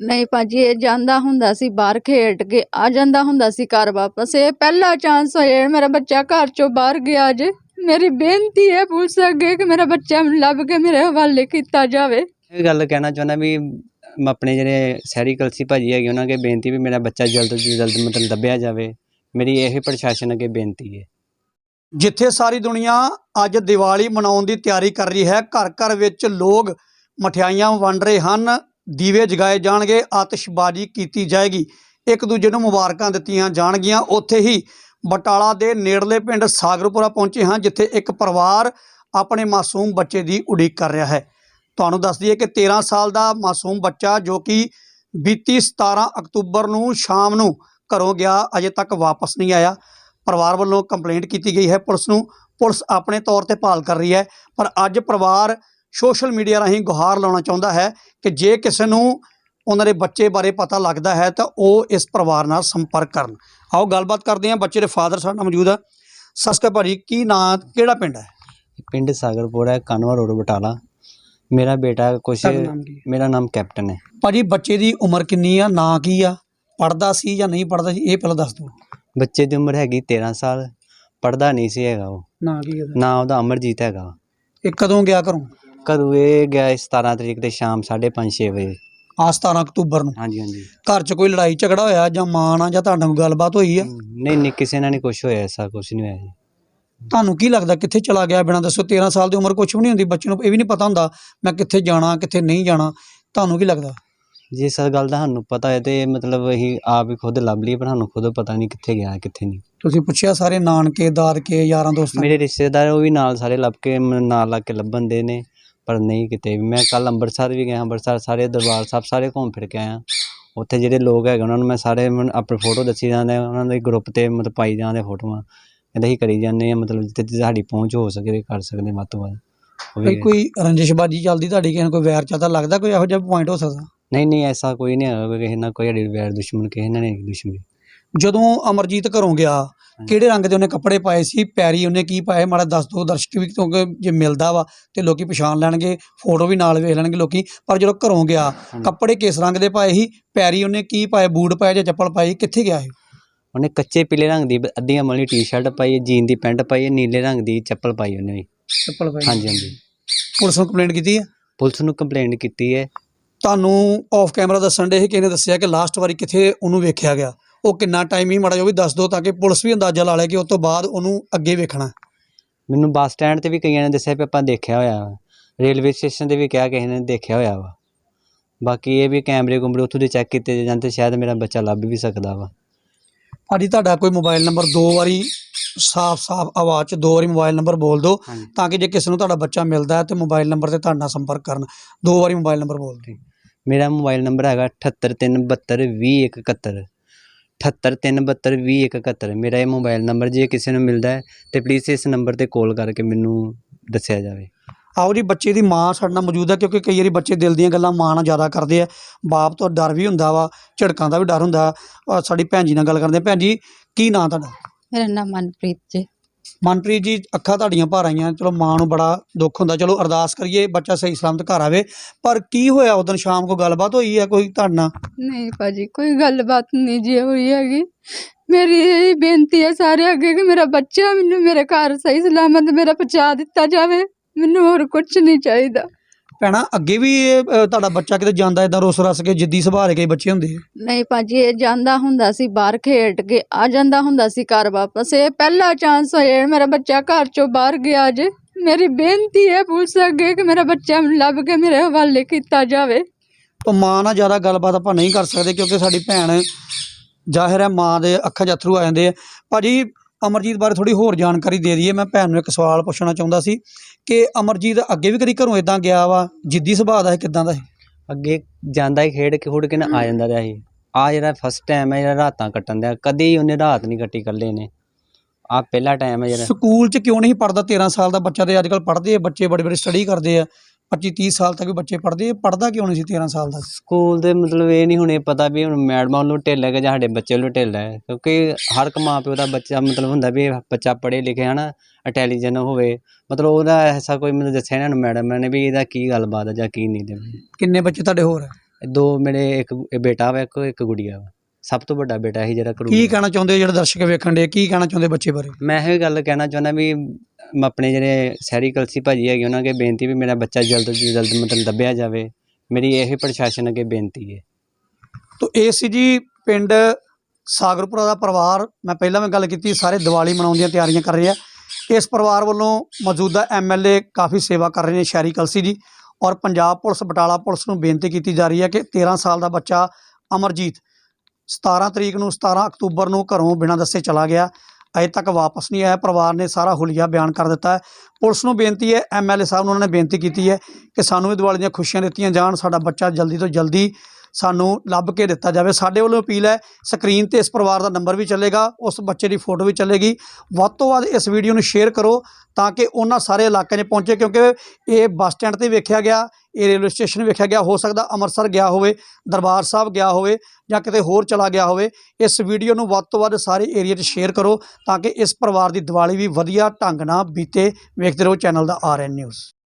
नहीं भाजी ये जांदा हुंदा सी बाहर खेड के आ जांदा हुंदा सी घर वापस। ये पहला चांस होया मेरा बच्चा घर चो बाहर गया अज। मेरी बेनती है पुलिस अगे कि मेरा बच्चा लभ के मेरे हवाले किया जावे। ਇਹ ਗੱਲ ਕਹਿਣਾ ਚਾਹੁੰਦਾ ਵੀ ਆਪਣੇ ਜਿਹੜੇ ਸ਼ਹਿਰੀ ਕਲਸੀ ਭਾਜੀ ਹੈਗੇ ਉਹਨਾਂ ਅੱਗੇ ਬੇਨਤੀ ਵੀ ਮੇਰਾ ਬੱਚਾ ਜਲਦ ਤੋਂ ਜਲਦ ਮਤਲਬ ਲੱਭਿਆ ਜਾਵੇ। ਮੇਰੀ ਇਹ ਪ੍ਰਸ਼ਾਸਨ ਅੱਗੇ ਬੇਨਤੀ ਹੈ। ਜਿੱਥੇ ਸਾਰੀ ਦੁਨੀਆ ਅੱਜ ਦੀਵਾਲੀ ਮਨਾਉਣ ਦੀ ਤਿਆਰੀ ਕਰ ਰਹੀ ਹੈ, ਘਰ ਘਰ ਵਿੱਚ ਲੋਕ ਮਠਿਆਈਆਂ ਵੰਡ ਰਹੇ ਹਨ, ਦੀਵੇ ਜਗਾਏ ਜਾਣਗੇ, ਆਤਿਸ਼ਬਾਜ਼ੀ ਕੀਤੀ ਜਾਏਗੀ, ਇੱਕ ਦੂਜੇ ਨੂੰ ਮੁਬਾਰਕਾਂ ਦਿੱਤੀਆਂ ਜਾਣਗੀਆਂ। ਉੱਥੇ ਹੀ ਬਟਾਲਾ ਦੇ ਨੇੜਲੇ ਪਿੰਡ ਸਾਗਰਪੁਰਾ ਪਹੁੰਚੇ ਹਾਂ, ਜਿੱਥੇ ਇੱਕ ਪਰਿਵਾਰ ਆਪਣੇ ਮਾਸੂਮ ਬੱਚੇ ਦੀ ਉਡੀਕ ਕਰ ਰਿਹਾ ਹੈ। ਤੁਹਾਨੂੰ ਦੱਸ ਦਈਏ ਕਿ 13 ਸਾਲ ਦਾ ਮਾਸੂਮ ਬੱਚਾ ਜੋ ਕਿ ਬੀਤੀ 17 ਅਕਤੂਬਰ ਨੂੰ ਸ਼ਾਮ ਨੂੰ ਘਰੋਂ ਗਿਆ, ਅਜੇ ਤੱਕ ਵਾਪਸ ਨਹੀਂ ਆਇਆ। ਪਰਿਵਾਰ ਵੱਲੋਂ ਕੰਪਲੇਂਟ ਕੀਤੀ ਗਈ ਹੈ ਪੁਲਿਸ ਨੂੰ। ਪੁਲਿਸ ਆਪਣੇ ਤੌਰ ਤੇ ਭਾਲ ਕਰ ਰਹੀ ਹੈ, ਪਰ ਅੱਜ ਪਰਿਵਾਰ ਸੋਸ਼ਲ ਮੀਡੀਆ ਰਾਹੀਂ ਗੁਹਾਰ ਲਾਉਣਾ ਚਾਹੁੰਦਾ ਹੈ ਕਿ ਜੇ ਕਿਸੇ ਨੂੰ ਉਹਨਾਂ ਦੇ ਬੱਚੇ ਬਾਰੇ ਪਤਾ ਲੱਗਦਾ ਹੈ ਤਾਂ ਉਹ ਇਸ ਪਰਿਵਾਰ ਨਾਲ ਸੰਪਰਕ ਕਰਨ। ਆਓ ਗੱਲਬਾਤ ਕਰਦੇ ਹਾਂ। ਬੱਚੇ ਦੇ ਫਾਦਰ ਸਾਡੇ ਨਾਲ ਮੌਜੂਦ ਆ। ਸਤਿ ਸ਼੍ਰੀ ਅਕਾਲ ਭਾਜੀ, ਕੀ ਨਾਂ, ਕਿਹੜਾ ਪਿੰਡ ਹੈ? ਪਿੰਡ ਸਾਗਰਪੁਰਾ, ਕਾਨਵਾ ਰੋਡ, ਬਟਾਲਾ। ਮੇਰਾ ਬੇਟਾ ਕੁਛ, ਮੇਰਾ ਨਾਮ ਕੈਪਟਨ ਹੈ। ਭਾਜੀ ਬੱਚੇ ਦੀ ਉਮਰ ਕਿੰਨੀ ਆ, ਨਾਂ ਕੀ ਆ, ਪੜ੍ਹਦਾ ਸੀ ਜਾਂ ਨਹੀਂ ਪੜ੍ਹਦਾ ਸੀ, ਇਹ ਪਹਿਲਾਂ ਦੱਸ ਦਿਓ। ਬੱਚੇ ਦੀ ਉਮਰ ਹੈਗੀ 13 ਸਾਲ, ਪੜ੍ਹਦਾ ਨਹੀਂ ਸੀ ਹੈਗਾ। ਉਹ ਨਾਂ ਕੀ ਹੈ? ਨਾਂ ਉਹਦਾ ਅਮਰਜੀਤ ਹੈਗਾ। ਇਹ ਕਦੋਂ ਗਿਆ ਘਰੋਂ? ਕਦੋਂ ਇਹ ਗਿਆ 17 ਤਰੀਕ ਦੇ ਸ਼ਾਮ 5:30-6 ਵਜੇ। ਆ 17 ਅਕਤੂਬਰ ਨੂੰ। ਹਾਂਜੀ ਹਾਂਜੀ। ਘਰ 'ਚ ਕੋਈ ਲੜਾਈ ਝਗੜਾ ਹੋਇਆ ਜਾਂ ਮਾਂ ਨਾਲ ਜਾਂ ਤੁਹਾਡਾ ਕੋਈ ਗੱਲਬਾਤ ਹੋਈ ਆ? ਨਹੀਂ ਨਹੀਂ, ਕਿਸੇ ਨਾਲ ਨਹੀਂ ਕੁਛ ਹੋਇਆ, ਐਸਾ ਕੁਛ ਨਹੀਂ ਹੋਇਆ ਜੀ। ਤੁਹਾਨੂੰ ਕੀ ਲੱਗਦਾ ਕਿੱਥੇ ਚਲਾ ਗਿਆ ਬਿਨਾਂ ਦੱਸੋ? 13 ਸਾਲ ਦੀ ਉਮਰ ਕੁਛ ਵੀ ਨਹੀਂ ਹੁੰਦੀ, ਬੱਚੇ ਨੂੰ ਇਹ ਵੀ ਨਹੀਂ ਪਤਾ ਹੁੰਦਾ ਮੈਂ ਕਿੱਥੇ ਜਾਣਾ ਕਿੱਥੇ ਨਹੀਂ ਜਾਣਾ। ਤੁਹਾਨੂੰ ਕੀ ਲੱਗਦਾ? ਜੇ ਇਸ ਗੱਲ ਦਾ ਸਾਨੂੰ ਪਤਾ ਹੈ ਤੇ ਮਤਲਬ ਅਸੀਂ ਆਪ ਹੀ ਖੁਦ ਲੱਭ ਲਈਏ, ਪਰ ਸਾਨੂੰ ਖੁਦ ਪਤਾ ਨਹੀਂ ਕਿੱਥੇ ਗਿਆ ਕਿੱਥੇ ਨਹੀਂ। ਤੁਸੀਂ ਪੁੱਛਿਆ ਸਾਰੇ ਨਾਨਕੇ ਦਾਦਕੇ ਯਾਰਾਂ ਦੋਸਤਾਂ? ਮੇਰੇ ਰਿਸ਼ਤੇਦਾਰ ਉਹ ਵੀ ਨਾਲ ਸਾਰੇ ਲੱਭ ਕੇ ਨਾਲ ਲੱਗ ਕੇ ਲੱਭਣ ਦੇ ਨੇ, ਪਰ ਨਹੀਂ ਕਿਤੇ ਵੀ। ਮੈਂ ਕੱਲ੍ਹ ਅੰਮ੍ਰਿਤਸਰ ਵੀ ਗਿਆ, ਅੰਮ੍ਰਿਤਸਰ ਸਾਰੇ ਦਰਬਾਰ ਸਾਹਿਬ ਸਾਰੇ ਘੁੰਮ ਫਿਰ ਕੇ ਆਇਆ। ਉੱਥੇ ਜਿਹੜੇ ਲੋਕ ਹੈਗੇ ਉਹਨਾਂ ਨੂੰ ਮੈਂ ਸਾਰੇ ਆਪਣੀ ਫੋਟੋ ਦੱਸੀ ਜਾਂਦੇ, ਉਹਨਾਂ ਦੇ ਗਰੁੱਪ 'ਤੇ ਮਤਲਬ ਪਾਈ ਜਾਂਦੇ ਫੋਟੋਆਂ। ਕਹਿੰਦੇ ਅਸੀਂ ਕਰੀ ਜਾਂਦੇ ਹਾਂ, ਮਤਲਬ ਜਿੱਥੇ ਸਾਡੀ ਪਹੁੰਚ ਹੋ ਸਕੇ ਕਰ ਸਕਦੇ ਵੱਧ ਤੋਂ ਵੱਧ। ਕੋਈ ਰੰਜਿਸ਼ਬਾਜੀ ਚੱਲਦੀ ਤੁਹਾਡੀ, ਕਿਸੇ ਨਾਲ ਕੋਈ ਵੈਰ ਚੱਲਦਾ, ਲੱਗਦਾ ਕੋਈ ਇਹੋ ਜਿਹਾ ਪੁਆਇੰਟ ਹੋ ਸਕਦਾ? ਨਹੀਂ ਨਹੀਂ, ਐਸਾ ਕੋਈ ਨਹੀਂ ਹੈਗਾ, ਕਿਸੇ ਨਾਲ ਕੋਈ ਸਾਡੀ ਵੈਰ ਦੁਸ਼ਮਣ ਕਿਸੇ ਨਾਲ ਨਹੀਂ ਦੁਸ਼ਮਣੀ। ਜਦੋਂ ਅਮਰਜੀਤ ਘਰੋਂ ਗਿਆ ਕਿਹੜੇ ਰੰਗ ਦੇ ਉਹਨੇ ਕੱਪੜੇ ਪਾਏ ਸੀ, ਪੈਰੀ ਉਹਨੇ ਕੀ ਪਾਏ, ਮਾੜਾ ਦੱਸ ਦਿਓ ਦਰਸ਼ਕ ਵੀ, ਕਿਉਂਕਿ ਜੇ ਮਿਲਦਾ ਵਾ ਤੇ ਲੋਕੀ ਪਛਾਣ ਲੈਣਗੇ, ਫੋਟੋ ਵੀ ਨਾਲ ਵੇਖ ਲੈਣਗੇ ਲੋਕੀ। ਪਰ ਜਦੋਂ ਘਰੋਂ ਗਿਆ ਕੱਪੜੇ ਕਿਸ ਰੰਗ ਦੇ ਪਾਏ ਸੀ, ਪੈਰੀ ਉਹਨੇ ਕੀ ਪਾਏ, ਬੂਟ ਪਾਏ ਜਾਂ ਚੱਪਲ ਪਾਈ, ਕਿੱਥੇ ਗਿਆ ਇਹ? ਉਹਨੇ ਕੱਚੇ ਪੀਲੇ ਰੰਗ ਦੀ ਅੱਧੀਆਂ ਮਲੀ ਟੀ-ਸ਼ਰਟ ਪਾਈ ਹੈ, ਜੀਨ ਦੀ ਪੈਂਟ ਪਾਈ ਹੈ, ਨੀਲੇ ਰੰਗ ਦੀ ਚੱਪਲ ਪਾਈ ਉਹਨੇ ਵੀ। ਚੱਪਲ ਪਾਈ? ਹਾਂਜੀ ਹਾਂਜੀ। ਪੁਲਿਸ ਨੂੰ ਕੰਪਲੇਂਟ ਕੀਤੀ ਹੈ? ਪੁਲਿਸ ਨੂੰ ਕੰਪਲੇਂਟ ਕੀਤੀ ਹੈ। ਤੁਹਾਨੂੰ ਆਫ ਕੈਮਰਾ ਦੱਸਣ ਦੇ ਕਿਸੇ ਨੇ ਦੱਸਿਆ ਕਿ ਲਾਸਟ ਵਾਰੀ ਕਿੱਥੇ ਉਹਨੂੰ ਵੇਖਿਆ ਗਿਆ, ਉਹ ਕਿੰਨਾ ਟਾਈਮ ਹੀ ਮਾੜਾ ਜੋ ਵੀ ਦੱਸ ਦਿਓ ਤਾਂ ਕਿ ਪੁਲਿਸ ਵੀ ਅੰਦਾਜ਼ਾ ਲਾ ਲੇ ਕਿ ਉਸ ਤੋਂ ਬਾਅਦ ਉਹਨੂੰ ਅੱਗੇ ਵੇਖਣਾ। ਮੈਨੂੰ ਬੱਸ ਸਟੈਂਡ 'ਤੇ ਵੀ ਕਈਆਂ ਨੇ ਦੱਸਿਆ ਵੀ ਆਪਾਂ ਦੇਖਿਆ ਹੋਇਆ ਵਾ, ਰੇਲਵੇ ਸਟੇਸ਼ਨ 'ਤੇ ਵੀ ਕਿਹਾ ਕਿਸੇ ਨੇ ਦੇਖਿਆ ਹੋਇਆ ਵਾ। ਬਾਕੀ ਇਹ ਵੀ ਕੈਮਰੇ ਕੁਮਰੇ ਉੱਥੋਂ ਦੇ ਚੈੱਕ ਕੀਤੇ ਜਾਂਦੇ, ਸ਼ਾਇਦ ਮੇਰਾ ਬੱਚਾ ਲੱਭ ਵੀ ਸਕਦਾ ਵਾ। ਭਾਜੀ ਤੁਹਾਡਾ ਕੋਈ ਮੋਬਾਈਲ ਨੰਬਰ ਦੋ ਵਾਰੀ ਸਾਫ਼ ਆਵਾਜ਼ 'ਚ ਦੋ ਵਾਰੀ ਮੋਬਾਈਲ ਨੰਬਰ ਬੋਲ ਦਿਓ ਤਾਂ ਕਿ ਜੇ ਕਿਸੇ ਨੂੰ ਤੁਹਾਡਾ ਬੱਚਾ ਮਿਲਦਾ ਹੈ ਤਾਂ ਮੋਬਾਈਲ ਨੰਬਰ 'ਤੇ ਤੁਹਾਡੇ ਨਾਲ ਸੰਪਰਕ ਕਰਨ। ਦੋ ਵਾਰੀ ਮੋਬਾਈਲ ਨੰਬਰ ਬੋਲ ਦਿਓ। ਮੇਰਾ ਮੋਬਾਈਲ ਨੰਬਰ ਹੈਗਾ 7837720171, 7837720171। ਮੇਰਾ ਇਹ ਮੋਬਾਈਲ ਨੰਬਰ ਜੇ ਕਿਸੇ ਨੂੰ ਮਿਲਦਾ ਹੈ ਤਾਂ ਪਲੀਜ਼ ਇਸ ਨੰਬਰ 'ਤੇ ਕਾਲ ਕਰਕੇ ਮੈਨੂੰ ਦੱਸਿਆ ਜਾਵੇ। ਆਓ ਜੀ, ਬੱਚੇ ਦੀ ਮਾਂ ਸਾਡੇ ਨਾਲ ਮੌਜੂਦ ਹੈ, ਕਿਉਂਕਿ ਕਈ ਵਾਰੀ ਬੱਚੇ ਦਿਲ ਦੀਆਂ ਗੱਲਾਂ ਮਾਂ ਨਾਲ ਜ਼ਿਆਦਾ ਕਰਦੇ ਆ, ਬਾਪ ਤੋਂ ਡਰ ਵੀ ਹੁੰਦਾ ਵਾ, ਝਿੜਕਾਂ ਦਾ ਵੀ ਡਰ ਹੁੰਦਾ। ਸਾਡੀ ਭੈਣ ਜੀ ਨਾਲ ਗੱਲ ਕਰਦੇ ਹਾਂ। ਭੈਣ ਜੀ, ਕੀ ਨਾਂ ਤੁਹਾਡਾ? मेरा नाम मनप्रीत जी। ਮਨਪ੍ਰੀਤ ਜੀ, ਅੱਖਾਂ ਤੁਹਾਡੀਆਂ ਭਰ ਆਈਆਂ, ਚਲੋ ਮਾਂ ਨੂੰ ਬੜਾ ਦੁੱਖ ਹੁੰਦਾ, ਚਲੋ ਅਰਦਾਸ ਕਰੀਏ ਬੱਚਾ ਸਹੀ ਸਲਾਮਤ ਘਰ ਆਵੇ। ਪਰ ਕੀ ਹੋਇਆ ਉਦੋਂ ਸ਼ਾਮ को ਗੱਲਬਾਤ ਹੋਈ ਹੈ ਕੋਈ ਤੁਹਾਡੇ ਨਾਲ? नहीं भाजी कोई गलबात नहीं जी हुई हैगी। मेरी यही बेनती है सारे अगे कि मेरा बच्चा मैनू मेरे घर सही सलामत मेरा पहुँचा दिता जाए, मैनू होर कुछ नहीं चाहिए। ਭੈਣਾ ਅੱਗੇ ਵੀ ਇਹ ਤੁਹਾਡਾ ਬੱਚਾ ਕਿਤੇ ਜਾਂਦਾ ਇਦਾਂ ਰੁੱਸ ਰੱਸ ਕੇ ਜਿੱਦੀ ਸੁਭਾਅ ਦੇ ਕਈ ਬੱਚੇ ਹੁੰਦੇ ਆ? नहीं भाजी ये जांदा हुंदा सी बाहर खेड के आ जांदा हुंदा सी घर वापस। ये पहला चांस होया मेरा बच्चा घर चो बाहर गया अज। मेरी बेनती है पुलिस अगे कि मेरा बच्चा लभ के मेरे हवाले किया जाए। ਤਾਂ ਮਾਂ ਨਾਲ ਜ਼ਿਆਦਾ ਗੱਲਬਾਤ ਆਪਾਂ ਨਹੀਂ ਕਰ ਸਕਦੇ ਕਿਉਂਕਿ ਸਾਡੀ ਭੈਣ ਜ਼ਾਹਿਰ ਹੈ ਮਾਂ ਦੇ ਅੱਖਾਂ 'ਚ ਅੱਥਰੂ ਆ ਜਾਂਦੇ ਆ। ਭਾਜੀ ਅਮਰਜੀਤ ਬਾਰੇ ਥੋੜ੍ਹੀ ਹੋਰ ਜਾਣਕਾਰੀ ਦੇ ਦਈਏ। ਮੈਂ ਭੈਣ ਨੂੰ ਇੱਕ ਸਵਾਲ ਪੁੱਛਣਾ ਚਾਹੁੰਦਾ ਸੀ ਕਿ ਅਮਰਜੀਤ ਅੱਗੇ ਵੀ ਕਦੀ ਘਰੋਂ ਇੱਦਾਂ ਗਿਆ ਵਾ, ਜਿੱਦੀ ਸੁਭਾਅ ਦਾ ਇਹ ਕਿੱਦਾਂ ਦਾ? ਅੱਗੇ ਜਾਂਦਾ ਹੀ ਖੇਡ ਕੇ ਖੁੜ ਕੇ ਨਾ ਆ ਜਾਂਦਾ ਰਿਹਾ ਸੀ। ਆ ਜਿਹੜਾ ਫਸਟ ਟਾਈਮ ਹੈ ਜਿਹੜਾ ਰਾਤਾਂ ਕੱਟਣ ਦਾ, ਕਦੀ ਉਹਨੇ ਰਾਤ ਨਹੀਂ ਕੱਟੀ ਇਕੱਲੇ ਨੇ। ਆ ਪਹਿਲਾ ਟਾਈਮ ਹੈ ਜਿਹੜਾ। ਸਕੂਲ 'ਚ ਕਿਉਂ ਨਹੀਂ ਪੜ੍ਹਦਾ? 13 ਸਾਲ ਦਾ ਬੱਚਾ ਤੇ ਅੱਜ ਕੱਲ੍ਹ ਪੜ੍ਹਦੇ ਆ ਬੱਚੇ, ਬੜੇ ਬੜੇ ਸਟੱਡੀ ਕਰਦੇ ਆ, 25-30 ਸਾਲ ਤੱਕ ਵੀ ਬੱਚੇ ਪੜ੍ਹਦੇ ਆ। ਪੜ੍ਹਦਾ ਕਿਉਂ ਨਹੀਂ ਸੀ 13 ਸਾਲ ਦਾ? ਸਕੂਲ ਦੇ ਮਤਲਬ ਇਹ ਨਹੀਂ ਹੁਣ ਇਹ ਪਤਾ ਵੀ ਹੁਣ ਮੈਡਮਾਂ ਨੂੰ ਢਿੱਲ ਹੈ ਕਿ ਜਾਂ ਸਾਡੇ ਬੱਚੇ ਨੂੰ ਢਿੱਲ ਹੈ, ਕਿਉਂਕਿ ਹਰ ਇੱਕ ਮਾਂ ਪਿਓ ਦਾ ਬੱਚਾ ਮਤਲਬ ਹੁੰਦਾ ਵੀ ਬੱਚਾ ਪੜ੍ਹੇ ਲਿਖੇ ਹੈ ਨਾ, ਇੰਟੈਲੀਜੈਂਟ ਹੋਵੇ, ਮਤਲਬ ਉਹਦਾ ਐਸਾ ਕੋਈ ਮੈਨੂੰ ਦੱਸਿਆ ਇਹਨਾਂ ਨੂੰ ਮੈਡਮ ਨੇ ਵੀ ਇਹਦਾ ਕੀ ਗੱਲਬਾਤ ਹੈ ਜਾਂ ਕੀ ਨਹੀਂ। ਦੇ ਕਿੰਨੇ ਬੱਚੇ ਤੁਹਾਡੇ ਹੋਰ? ਦੋ ਮੇਰੇ ਇੱਕ ਬੇਟਾ ਵਾ, ਇੱਕ ਗੁੜੀਆ ਵਾ। ਸਭ ਤੋਂ ਵੱਡਾ ਬੇਟਾ ਸੀ ਜਿਹੜਾ ਕੀ ਕਰੂਗਾ। ਕਹਿਣਾ ਚਾਹੁੰਦੇ ਹੋ ਜਿਹੜੇ ਦਰਸ਼ਕ ਵੇਖਣ ਦੇ, ਕੀ ਕਹਿਣਾ ਚਾਹੁੰਦੇ ਬੱਚੇ ਬਾਰੇ? ਮੈਂ ਇਹ ਗੱਲ ਕਹਿਣਾ ਚਾਹੁੰਦਾ ਵੀ ਆਪਣੇ ਜਿਹੜੇ ਸ਼ਹਿਰੀ ਕਲਸੀ ਭਾਜੀ ਹੈਗੇ ਉਹਨਾਂ ਅੱਗੇ ਬੇਨਤੀ ਵੀ ਮੇਰਾ ਬੱਚਾ ਜਲਦ ਤੋਂ ਜਲਦ ਮਤਲਬ ਲੱਭਿਆ ਜਾਵੇ। ਮੇਰੀ ਇਹ ਪ੍ਰਸ਼ਾਸਨ ਅੱਗੇ ਬੇਨਤੀ ਹੈ। ਤੋ ਇਹ ਸੀ ਜੀ ਪਿੰਡ ਸਾਗਰਪੁਰਾ ਦਾ ਪਰਿਵਾਰ। ਮੈਂ ਪਹਿਲਾਂ ਵੀ ਗੱਲ ਕੀਤੀ, ਸਾਰੇ ਦੀਵਾਲੀ ਮਨਾਉਣ ਦੀਆਂ ਤਿਆਰੀਆਂ ਕਰ ਰਹੇ ਆ। ਇਸ ਪਰਿਵਾਰ ਵੱਲੋਂ ਮੌਜੂਦਾ MLA ਕਾਫੀ ਸੇਵਾ ਕਰ ਰਹੇ ਨੇ ਸ਼ਹਿਰੀ ਕਲਸੀ ਜੀ, ਔਰ ਪੰਜਾਬ ਪੁਲਿਸ ਬਟਾਲਾ ਪੁਲਿਸ ਨੂੰ ਬੇਨਤੀ ਕੀਤੀ ਜਾ ਰਹੀ ਹੈ ਕਿ 13 ਸਾਲ ਦਾ ਬੱਚਾ ਅਮਰਜੀਤ 17 ਅਕਤੂਬਰ ਨੂੰ ਘਰੋਂ ਬਿਨਾਂ ਦੱਸੇ ਚਲਾ ਗਿਆ, ਅਜੇ ਤੱਕ ਵਾਪਸ ਨਹੀਂ ਆਇਆ। ਪਰਿਵਾਰ ਨੇ ਸਾਰਾ ਹੁਲੀਆ ਬਿਆਨ ਕਰ ਦਿੱਤਾ ਹੈ। ਪੁਲਿਸ ਨੂੰ ਬੇਨਤੀ ਹੈ, MLA ਸਾਹਿਬ ਨੂੰ ਉਹਨਾਂ ਨੇ ਬੇਨਤੀ ਕੀਤੀ ਹੈ ਕਿ ਸਾਨੂੰ ਵੀ ਦੀਵਾਲੀ ਦੀਆਂ ਖੁਸ਼ੀਆਂ ਦਿੱਤੀਆਂ ਜਾਣ, ਸਾਡਾ ਬੱਚਾ ਜਲਦੀ ਤੋਂ ਜਲਦੀ ਸਾਨੂੰ ਲੱਭ ਕੇ ਦਿੱਤਾ ਜਾਵੇ। ਸਾਡੇ ਵੱਲੋਂ ਅਪੀਲ ਹੈ, ਸਕਰੀਨ ਤੇ ਇਸ ਪਰਿਵਾਰ ਦਾ ਨੰਬਰ ਵੀ ਚੱਲੇਗਾ, ਉਸ ਬੱਚੇ ਦੀ ਫੋਟੋ ਵੀ ਚੱਲੇਗੀ। ਵੱਧ ਤੋਂ ਵੱਧ ਇਸ ਵੀਡੀਓ ਨੂੰ ਸ਼ੇਅਰ ਕਰੋ ਤਾਂ ਕਿ ਉਹਨਾਂ ਸਾਰੇ ਇਲਾਕੇ 'ਚ ਪਹੁੰਚੇ, ਕਿਉਂਕਿ ਇਹ ਬੱਸ ਸਟੈਂਡ 'ਤੇ ਵੇਖਿਆ ਗਿਆ, ਇਹ ਰੇਲਵੇ ਸਟੇਸ਼ਨ ਵੇਖਿਆ ਗਿਆ, ਹੋ ਸਕਦਾ ਅੰਮ੍ਰਿਤਸਰ ਗਿਆ ਹੋਵੇ, ਦਰਬਾਰ ਸਾਹਿਬ ਗਿਆ ਹੋਵੇ ਜਾਂ ਕਿਤੇ ਹੋਰ ਚਲਾ ਗਿਆ ਹੋਵੇ। ਇਸ ਵੀਡੀਓ ਨੂੰ ਵੱਧ ਤੋਂ ਵੱਧ ਸਾਰੇ ਏਰੀਆ 'ਚ ਸ਼ੇਅਰ ਕਰੋ ਤਾਂ ਕਿ ਇਸ ਪਰਿਵਾਰ ਦੀ ਦੀਵਾਲੀ ਵੀ ਵਧੀਆ ਢੰਗ ਨਾਲ ਬੀਤੇ। ਵੇਖਦੇ ਰਹੋ ਚੈਨਲ ਦਾ RN ਨਿਊਜ਼।